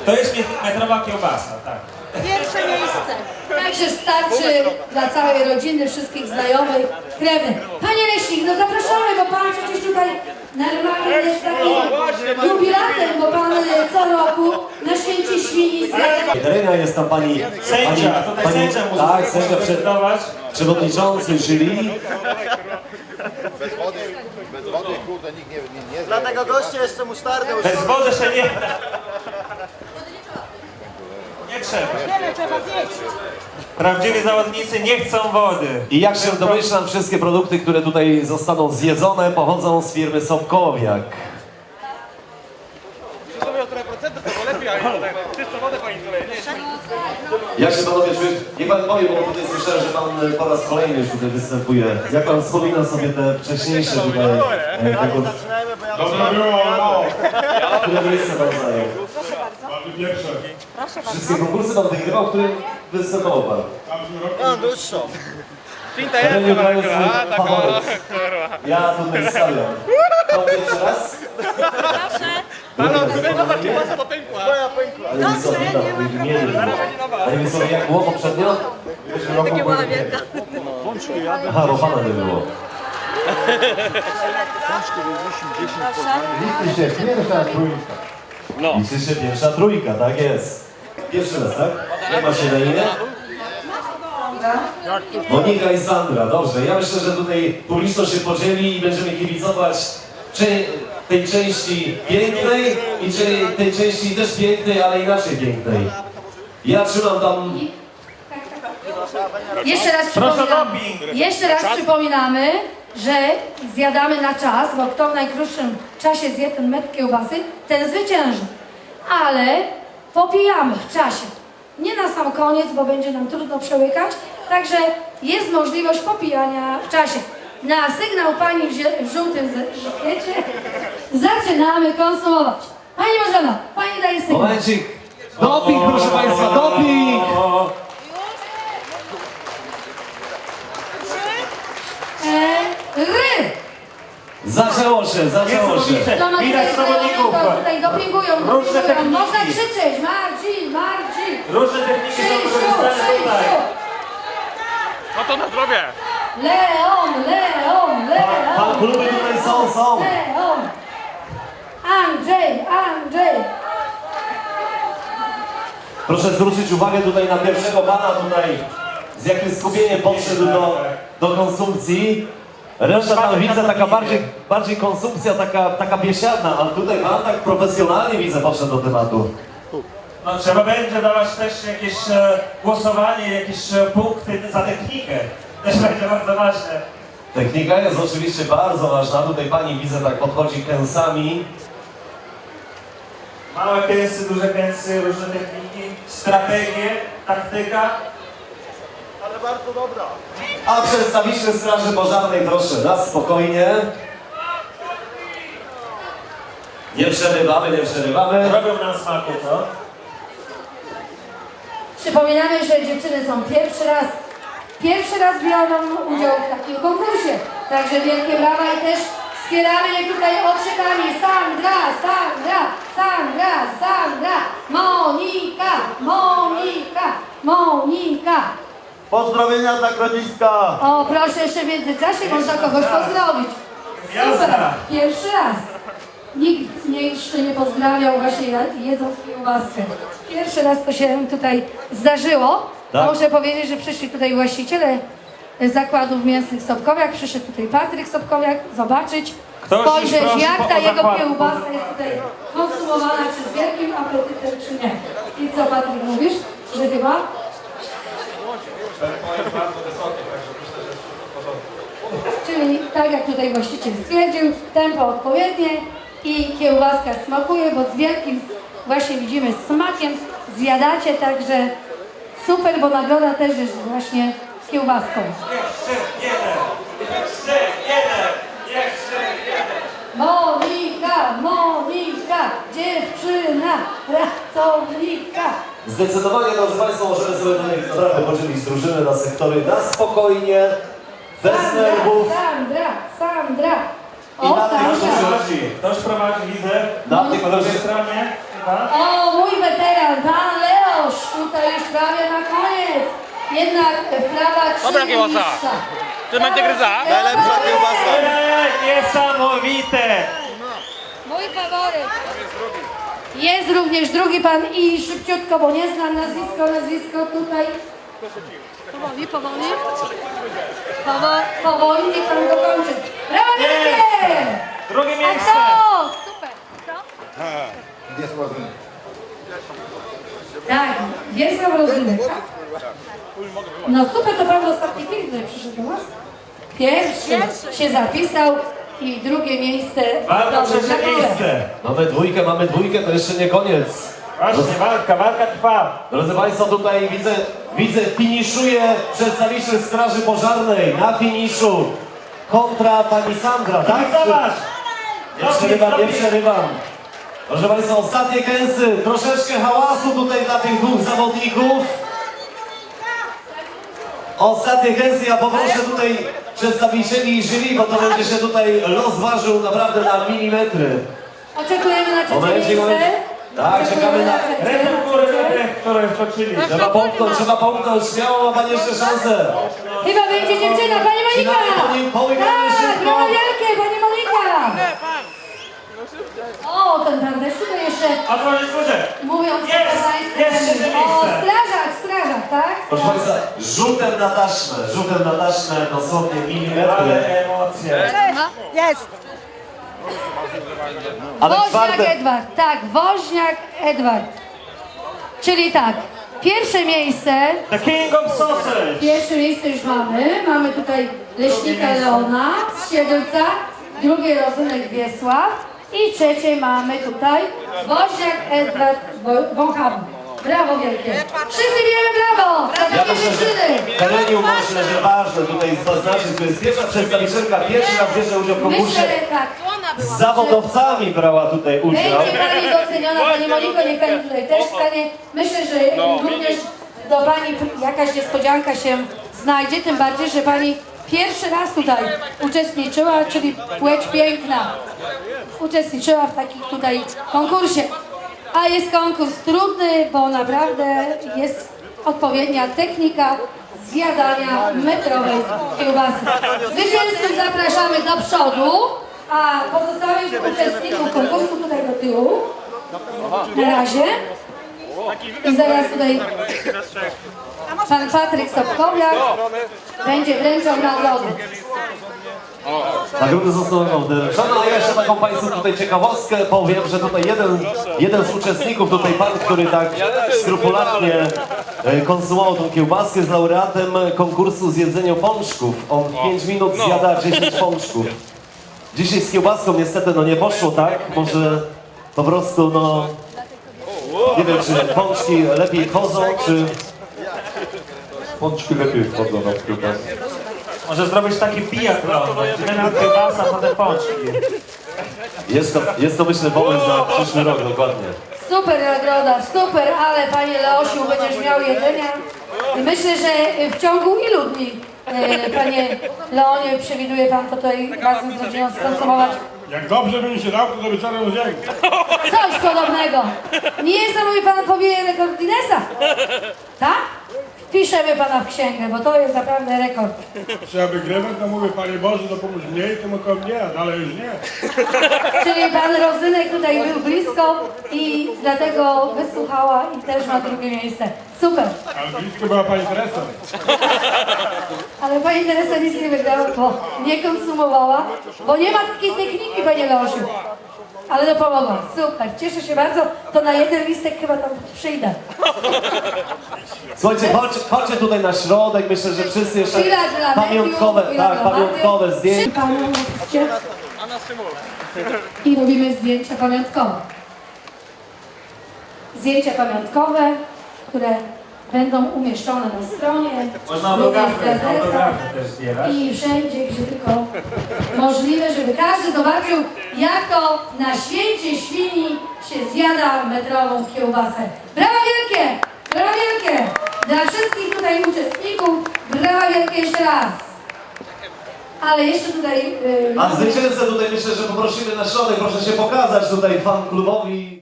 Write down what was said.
To jest metrowa kiełbasa, tak. Pierwsze miejsce. Także starczy dla całej rodziny, wszystkich znajomych, krewnych. Panie Leśnik, no zapraszamy, bo pan przecież tutaj normalnie jest takim jubilatem, bo pan co roku na święcie świni zjada. Terenia jest tam pani... Sędzia, tutaj sędzia musi tak, sędzia decydować. przewodniczący jury. Bez wody, kurde, nikt nie Dlatego goście jeszcze musztardę Bez wody się nie da. Nie trzeba. Wiele trzeba zjeść. Prawdziwi zawodnicy nie chcą wody. I jak się domyślam, wszystkie produkty, które tutaj zostaną zjedzone, pochodzą z firmy Sobkowiak. o trochę procentów, to lepiej, ale czystą wodę pani tutaj. Jak się panowie czuje? Niech pan powie, bo tutaj słyszałem, że pan po raz kolejny już tutaj występuje. Jak pan wspomina sobie te wcześniejsze tutaj... Zaczynajmy, bo ja Dobra było, no. Które miejsce pan zajął? Mamy pierwsze. Wszystkie konkursy pan wygrywał, w którym występował pan? mam dłuższą. Finta Tereniu jest, to jest mój faworyt. Ja tutaj stawiam. To pierwszy raz? Halo, zobacz, kiełbasa to pękła. Moja pękła. Ale mi sobie witam, w imieniu. Ale mi sobie jak było poprzednio? Takie była wielka. Aha, bo pana nie było. Liczy się pierwsza trójka. Liczy się pierwsza trójka, tak jest. Pierwszy raz, tak? Jak ma się na imię? Monika i Sandra, dobrze. Ja myślę, że tutaj publiczność się podzieli i będziemy kibicować tej części pięknej i tej części też pięknej, ale inaczej pięknej. Ja trzymam tam... Jeszcze raz przypominamy, że zjadamy na czas, bo kto w najkrótszym czasie zje ten metr kiełbasy, ten zwycięży. Ale popijamy w czasie. Nie na sam koniec, bo będzie nam trudno przełykać, także jest możliwość popijania w czasie. Na sygnał pani w żółtym żakiecie zaczynamy konsumować. Pani Marzena, pani daje sygnał. Momencik. Doping, proszę państwa, doping! Ry! Zaczęło się, zaczęło się. To ma Widać tutaj zawodników. znajomego, tutaj dopingują, Różne dopingują. techniki. Można krzyczeć, Marcin, Marcin! Różne techniki są Krzysiu, wykorzystane tutaj. Krzysiu! No to na zdrowie. Leon, Leon, Pan Leon! kluby tutaj są. Leon! Andrzej, Andrzej! Proszę zwrócić uwagę tutaj na pierwszego pana tutaj, z jakim skupieniem podszedł do konsumpcji. Reszta tam widzę taka bardziej konsumpcja, taka biesiadna, ale tutaj pan tak profesjonalnie widzę podszedł do tematu. No, trzeba będzie dawać też jakieś głosowanie, jakieś punkty za technikę. Też będzie bardzo ważne. Technika jest oczywiście bardzo ważna. Tutaj pani widzę tak podchodzi kęsami. Małe kęsy, duże kęsy, różne techniki, strategie, taktyka. Ale bardzo dobra. A przedstawiciel Straży Pożarnej, proszę, na spokojnie. Nie przerywamy, nie przerywamy. Robią nam smaku, co? Przypominamy, że dziewczyny są pierwszy raz biorą udział w takim konkursie. Także wielkie brawa i też wspieramy je tutaj okrzykami Sandra, Sandra, Sandra, Sandra, Monika, Monika, Monika. Pozdrowienia dla Grodziska. O, proszę, jeszcze w międzyczasie można kogoś pozdrowić. Super, pierwszy raz. Nikt mnie jeszcze nie pozdrawiał właśnie jedząc kiełbaskę. Pierwszy raz to się tutaj zdarzyło. Tak? Muszę powiedzieć, że przyszli tutaj właściciele zakładów mięsnych Sobkowiak. Przyszedł tutaj Patryk Sobkowiak zobaczyć, Ktoś spojrzeć już prosi jak ta o jego zakład. kiełbasa jest tutaj konsumowana, czy z wielkim apetytem, czy nie. I co, Patryk, mówisz? Że chyba? Czyli tak jak tutaj właściciel stwierdził, tempo odpowiednie i kiełbaska smakuje, bo z wielkim właśnie widzimy smakiem zjadacie, także super, bo nagroda też jest właśnie kiełbaską. Jeszcze jeden. Monika, Monika, dziewczyna, pracownika. Zdecydowanie, drodzy Państwo, możemy sobie tutaj naprawdę podzielić drużyny na sektory na spokojnie, bez nerwów. Sandra, Sandra. I na Sandra. tym Ktoś prowadzi, widzę. Na tych Po lewej stronie chyba. O, mój weteran. tutaj już prawie na koniec. Jednak wprawa 3 Dobra kiełbasa. mistrza. Ty będzie gryza? Najlepsza kiełbasa. Niesamowite! Mój faworyt. Jest również drugi pan i szybciutko, bo nie znam nazwisko tutaj. Powoli. Powoli, niech pan dokończy. Brawo, wielkie! Drugie A miejsce! to! Super. Gdzie sławy? Tak, Wiesław Rozynek. No super, to pan ostatni film tutaj przyszedł do nas. Pierwszy się zapisał i drugie miejsce. Walka Dobrze, trzecie gratuluję. miejsce! Mamy dwójkę, to jeszcze nie koniec. Właśnie, walka trwa. Drodzy Państwo, tutaj widzę finiszuje przedstawiciel Straży Pożarnej na finiszu kontra pani Sandra, tak? Zobacz! Nie przerywam. Proszę Państwa, ostatnie kęsy, troszeczkę hałasu tutaj dla tych dwóch zawodników. Ostatnie kęsy, ja poproszę tutaj przedstawicieli jury, bo to będzie się tutaj los ważył naprawdę na milimetry. Oczekujemy na trzecie Momencik, miejsce. momencik. Tak, czekamy na Receptury dla tych, które wtoczyli. Trzeba pomknąć, śmiało ma Pani jeszcze szansę. Chyba będzie dziewczyna, pani Monika! Połykamy Tak, szybko. brawo wielkie, pani Monika! O, ten pan też tutaj jeszcze, Otworzyć górze! mówiąc po Jest poznańsku, trzecie o, miejsce. strażak, tak? Proszę Państwa, rzutem na taśmę, dosłownie milimetry. Ale emocje. Jest. Ale Woźniak czwarte, Edward, tak, Woźniak Edward. Czyli tak, pierwsze miejsce już mamy. Mamy tutaj Leśnika Leona z Siedlca, drugie Rozynek Wiesław i trzecie mamy tutaj Woźniak Edward Wąchawa. Brawo wielkie. Wszyscy bijemy brawo! Za ja takie myślę, dziewczyny! że Heleniu myślę, że ważne tutaj zaznaczyć, to jest pierwsza przedstawicielka, pierwszy raz bierze udział w konkursie. Myślę, tak. Z zawodowcami brała tutaj udział. Będzie Pani doceniona, Pani Moniko, niech Pani tutaj też stanie. Myślę, że również do Pani jakaś niespodzianka się znajdzie, tym bardziej, że Pani pierwszy raz tutaj uczestniczyła, czyli Płeć Piękna. Uczestniczyła w takim tutaj konkursie. A jest konkurs trudny, bo naprawdę jest odpowiednia technika zjadania metrowej kiełbasy. Zwycięzców zapraszamy do przodu, a pozostałych uczestników konkursu tutaj do tyłu. Na razie. I zaraz tutaj pan Patryk Sobkowiak będzie wręczał nagrody. Nagrody zostaną wręczone, a ja jeszcze taką Państwu tutaj ciekawostkę powiem, że tutaj jeden z uczestników, tutaj pan, który tak skrupulatnie konsumował tą kiełbaskę, jest laureatem konkursu z jedzenia pączków. On w 5 minut zjada 10 pączków. Dzisiaj z kiełbaską niestety no nie poszło, tak? Może po prostu no... Nie wiem, czy pączki lepiej chodzą, czy... Pączki lepiej wchodzą na kiełbasę. Może zrobić taki biatlon. Najpierw kiełbasa, potem pączki. Jest to myślę pomysł na przyszły rok, dokładnie. Super nagroda, super, ale panie Leosiu, będziesz miał jedzenia. I myślę, że w ciągu ilu dni, panie Leonie, przewiduje pan tutaj razem z rodziną skonsumować? Jak dobrze by mi się dał, to do wieczora udzieli. Coś podobnego. Nie jest to, mówi pan, pobije rekord Guinnessa. Tak? Wpiszemy pana w księgę, bo to jest naprawdę rekord. Trzeba wygrywać, to mówię, Panie Boże, to pomóż mniej, tylko mnie, a dalej już nie. Czyli pan Rozynek tutaj był blisko i dlatego wysłuchała i też ma drugie miejsce. Super. Ale blisko była Pani Teresa. Ale pani Teresa nic nie wygrała, bo nie konsumowała, bo nie ma takiej techniki, panie Leosiu. Ale to pomogła. Super. Cieszę się bardzo. To na jeden listek chyba tam przyjdę. Słuchajcie, chodźcie tutaj na środek, myślę, że wszyscy jeszcze Chwila dla pamiątkowe, mediów, chwila tak, dla pamiątkowe mediów. zdjęcia. Panu oczywiście. I robimy zdjęcia pamiątkowe. Zdjęcia pamiątkowe, które będą umieszczone na stronie, Można również w autografy gazetach też zbierać. i wszędzie, gdzie tylko możliwe, żeby każdy zobaczył, jak to na święcie świni się zjada metrową kiełbasę. Brawa wielkie! Brawa wielkie! Dla wszystkich tutaj uczestników, brawa wielkie jeszcze raz! Ale jeszcze tutaj... A zwycięzcę tutaj myślę, że poprosimy na środek, proszę się pokazać tutaj fan klubowi.